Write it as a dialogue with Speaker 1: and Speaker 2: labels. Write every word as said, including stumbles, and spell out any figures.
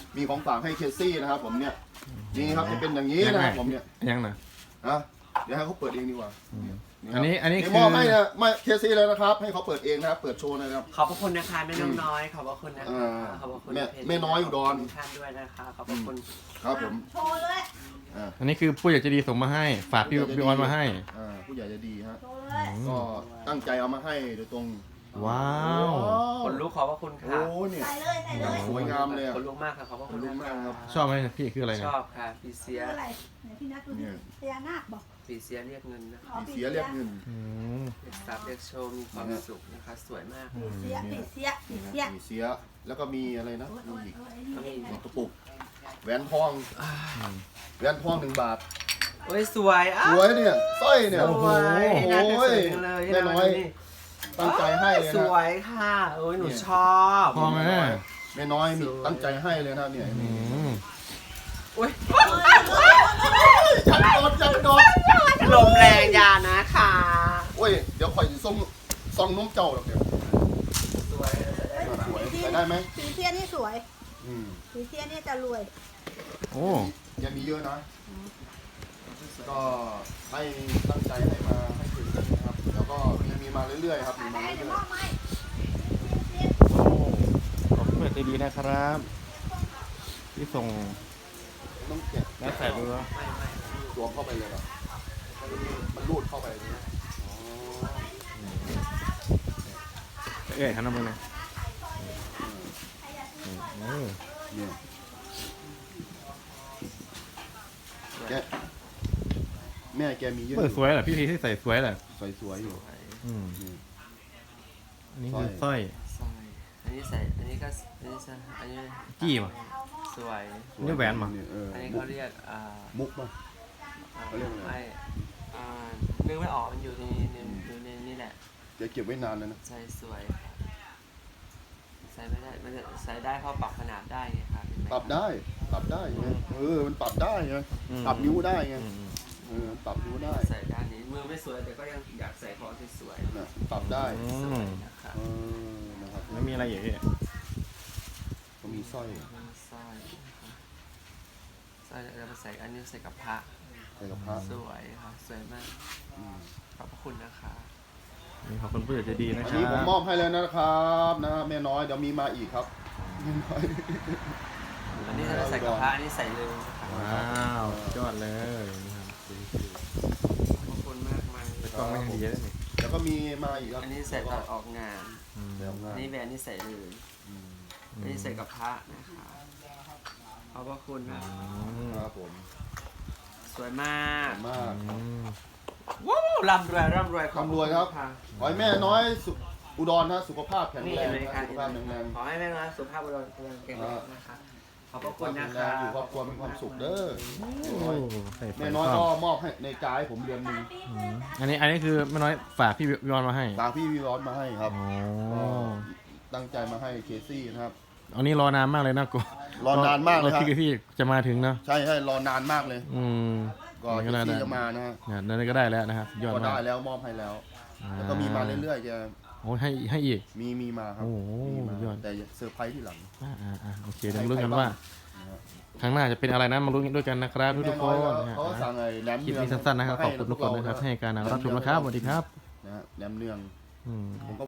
Speaker 1: มีของฝากให้เคซี่นะครับผมเนี่ยนี่ครับจะเป็นอย่างนี้นะครับผมเนี่ย
Speaker 2: ยังนะ
Speaker 1: นะเดี๋ยวให้เขาเปิดเองดีกว่า
Speaker 2: อันนี้อันนี้
Speaker 1: นี่
Speaker 2: คือ
Speaker 1: มอบให้นะไม่เคซี่เลยนะครับให้เขาเปิดเองนะครับเปิดโชว์นะครับ
Speaker 3: ขอบพระคุณนะคะแม่น้องน้อยขอบพระคุณนะ
Speaker 1: อ่
Speaker 3: คะ
Speaker 1: า
Speaker 3: ขอบพระคุณ
Speaker 1: แม่
Speaker 3: เพจ
Speaker 1: แม่น้อยอุดร
Speaker 3: ขบคุณท่านด้วยนะคะขอบพระคุณ
Speaker 1: ครับผม
Speaker 4: โชว์เลย
Speaker 1: อ่า
Speaker 2: อันนี้คือผู้ใหญ่ใจดีส่งมาให้ฝากพี่พี่ออนมาให้
Speaker 1: อ่าผู้ใหญ่จะดีฮะ
Speaker 4: โชว์เลย
Speaker 1: ก็ตั้งใจเอามาให้โดยตรง
Speaker 2: ว้าว
Speaker 3: คนลุกขอบพระคุณ
Speaker 1: โอ้
Speaker 3: ค่ะ
Speaker 1: เนี่ย
Speaker 4: ใส่เลยใส่เลย
Speaker 1: สวยงามเลยอะ
Speaker 3: คนลุกมากค่ะขอบพระคุณ
Speaker 1: ขนลุกมากครับ
Speaker 2: ชอบไหมพี่คืออะไร
Speaker 3: ช
Speaker 2: เนี่ย
Speaker 3: อบค่ะปีเสีย
Speaker 4: อะไรไหนพี่นัทดูดิพญานาคบอก
Speaker 3: ปีเสียเรียกเงินนะคะ
Speaker 4: อ๋อ
Speaker 1: ปีเสียเรียกเงิน
Speaker 2: อืม
Speaker 3: เรียกทรัพย์เรียกโชว์มีความสุขนะคะ สวยมาก
Speaker 4: ปีเสียปีเสียปีเสีย
Speaker 1: ปีเสียแล้วก็มีอะไรนะมีอีก
Speaker 3: ก็มี
Speaker 1: กระปุกแหวนทองแหวนทองหนึ่งบาท
Speaker 3: โอ้ยสวยอ้า
Speaker 1: สวยเนี่ยสร้อยเนี่ย
Speaker 3: ส
Speaker 1: โอ้โห
Speaker 3: วยน่าจะสวยจังเลย
Speaker 1: แม่น้อยตั้งใจให้เลย
Speaker 3: ส
Speaker 1: นะ
Speaker 3: วยค่ะโอ้ยหนูชอบ
Speaker 2: พอไหม
Speaker 1: แม่น้อยมีตั้งใจให้เลยนะเนี่ย
Speaker 2: อืม
Speaker 3: โอ้ย
Speaker 1: จับโดนจับโดน
Speaker 3: ลมแรงอยานะคะ
Speaker 1: โอ้ยเดี๋ยวข่อยสิส่งซองน้มเจ้าหรอกเดี๋ยว
Speaker 3: สวย
Speaker 1: สวยใส่ได้ไหม
Speaker 4: ปีเสียนี่สวย
Speaker 1: อืม
Speaker 4: ปีเสียนี่จะรวย
Speaker 2: โอ้
Speaker 1: ยังมีเยอะนะก็ให้ตั้งใจให้มาให้ถึงนะครับแล้วก็ยังมีมาเรื่อยๆครับมี
Speaker 4: ไป
Speaker 1: มา
Speaker 4: ให้
Speaker 1: เรื่
Speaker 4: จะ
Speaker 1: อย
Speaker 4: มอบไหม
Speaker 2: ขอบคุณผู้ใหญ่ใจดีนะครับ ที่ส่ง
Speaker 1: ๆต้องแกะ
Speaker 2: และใส่เรือ
Speaker 3: ไม่ไม่
Speaker 1: สวมเข้าไปเลยเหรอมันรูดเข้าไปเลยนะอ๋อ
Speaker 2: เอ้ยหันมาเลยโอ้
Speaker 1: เนี่ยแกะแม่แกมีเยอะ
Speaker 2: เปิดสวยเหรอพี่พีที่ใส่สวยเหรอ
Speaker 1: สวยๆอยู่
Speaker 2: อืม
Speaker 1: นี่
Speaker 2: อันนี้คือสร้อย
Speaker 3: สร้อยอันนี้ใส่อันนี้ก็อันนี้ใส่อันนี้
Speaker 2: จี้ป่ะ
Speaker 3: สวย
Speaker 2: นี่แหวนมั้ง
Speaker 1: เออ
Speaker 3: อันนี้
Speaker 1: มุ
Speaker 3: เขา
Speaker 1: ก
Speaker 3: เรียกอ่า
Speaker 1: มุกป่ะ
Speaker 3: อ่า
Speaker 1: เขาเรียกอะไร
Speaker 3: ไม่อ่านึกไม่ออกมันอยู่ในในอยู่ในนี่แหละ
Speaker 1: เดี๋ยวเก็บไว้นานเลยนะ
Speaker 3: ใส่สวย ใส่ไม่ได้มันจะใส่ได้เพราะปรับขนาดได้ไงครับเห็นไหม
Speaker 1: ปรับได้ปรับได้ไงเออมันปรับได้ไง
Speaker 2: อืม
Speaker 1: ปรับนิ้วได้ไง
Speaker 2: อืมอืม
Speaker 1: เออปรับนิ้วได้
Speaker 3: ใส่ด้านนี้มือไม่สวยแต่ก็ยังอยากใส่ของที่สวย
Speaker 1: นะปรับได้
Speaker 2: อื
Speaker 3: สว
Speaker 2: ม
Speaker 3: ยนะครับ
Speaker 1: เออนะครับ
Speaker 2: แล้วมีอะไรอีกพี่
Speaker 1: ก็มีสร้อย
Speaker 3: สร้อยนะครับสร้อยเราไปใส่อันนี้ใส่กับพระ
Speaker 1: ใส่กับพระ
Speaker 3: สวยครับสวยมาก
Speaker 1: อืม
Speaker 3: ขอบพระคุณนะคะ
Speaker 2: นี่ขอบคุณผู้ใหญ่ใจดีนะ
Speaker 1: อัน
Speaker 2: ครั
Speaker 1: นี้ผม
Speaker 2: บ
Speaker 1: มอบให้แล้วนะครับนะแม่น้อยเดี๋ยวมีมาอีกครับแม่น้อย
Speaker 3: อันนี้เราใส่กับพระอันนี้ใส่เลยนะครับ
Speaker 2: ว้าวยอดเลยนะครับ
Speaker 3: ขอบพระคุณมากมาย
Speaker 2: ไปกล้องไม่ยังดีเลยนี่
Speaker 1: แล้วก็มีมาอีกครับ
Speaker 3: อันนี้ใส่ตอนออกงาน
Speaker 2: อืม
Speaker 1: แล้ว
Speaker 3: อั
Speaker 1: งาน
Speaker 3: นนี้แบรนด์นี่ใส่เลย
Speaker 1: อืม
Speaker 3: อันนี้ใส่กับพระนะคะขอบพระคุณนะ
Speaker 2: อืม
Speaker 1: ครับผม
Speaker 3: สวยมาก
Speaker 1: ขอบคุณมาก
Speaker 2: อืม
Speaker 3: ว้าวร่ำรวยร่ำรวยขอ
Speaker 1: ร่ำรวยครับ
Speaker 3: ะ
Speaker 1: ขอให้แม่น้อยสุขอุดรนะสุขภาพแข็ง
Speaker 3: นี่
Speaker 1: แรง
Speaker 3: เลย
Speaker 1: นะ
Speaker 3: ค่ะ
Speaker 1: สุขภาพแข็งแรง
Speaker 3: ขอให้แม่น้อยสุขภาพบุรุษแข็งแรงนะคะขอบพระคุณนะ
Speaker 1: แข็งแร
Speaker 3: คะ
Speaker 1: งอยู่ครอบครัวมีความสุขเด้อ
Speaker 2: โอ้ใส่ไฟ
Speaker 1: แม่น้อย
Speaker 2: ค
Speaker 1: ก็
Speaker 2: รอบ
Speaker 1: มอบให้ในจ่ายให้ผมเดือนหนึง
Speaker 2: อืมอันนี้อันนี้คือแม่น้อยฝากพี่วิวอนมาให้
Speaker 1: ฝากพี่วิวอนมาให้ครับ
Speaker 2: อ๋อ
Speaker 1: ก็ตั้งใจมาให้เคซี่นะครับ
Speaker 2: อันนี้รอนานมากเลยนะกู
Speaker 1: รอนานมากเลยครับ
Speaker 2: พี่พี่จะมาถึงเนาะ
Speaker 1: ใช่ใช่รอนานมากเลย
Speaker 2: อืม
Speaker 1: ก็เคซี่จะมานะฮะ
Speaker 2: เนี่ยนั่นก็ได้แล้วนะครับยอด
Speaker 1: ก็
Speaker 2: มา
Speaker 1: ได้
Speaker 2: ก
Speaker 1: แล้วมอบให้แล้ว แล้วก็มีมาเรื่อยๆจะ
Speaker 2: โอ้ให้ให้อีก
Speaker 1: มีมีมาครับ
Speaker 2: โอ้โห
Speaker 1: มีมาย
Speaker 2: อด
Speaker 1: แต่เซอร์ไพรส์ที่หลัง
Speaker 2: อ่าอ่าอ่าโอเคเดี๋ยวมาลุ้นกันว่า
Speaker 1: นะฮะ
Speaker 2: ครั้งหน้าจะเป็นอะไรนะมาลุ้นกันด้วยกันนะครับทุก
Speaker 1: แม่
Speaker 2: ๆค
Speaker 1: น้อย
Speaker 2: น
Speaker 1: ก็
Speaker 2: นะฮะ
Speaker 1: เขาก็สั่งไอ้แหนม
Speaker 2: คลิป
Speaker 1: เนือง
Speaker 2: นี้สั้นๆนะครับขอบคุณทุกคนนะครับให้การรับชมนะครับสวัสดีครับ
Speaker 1: นะฮะแหนมเนือง
Speaker 2: อืม
Speaker 1: ผมก็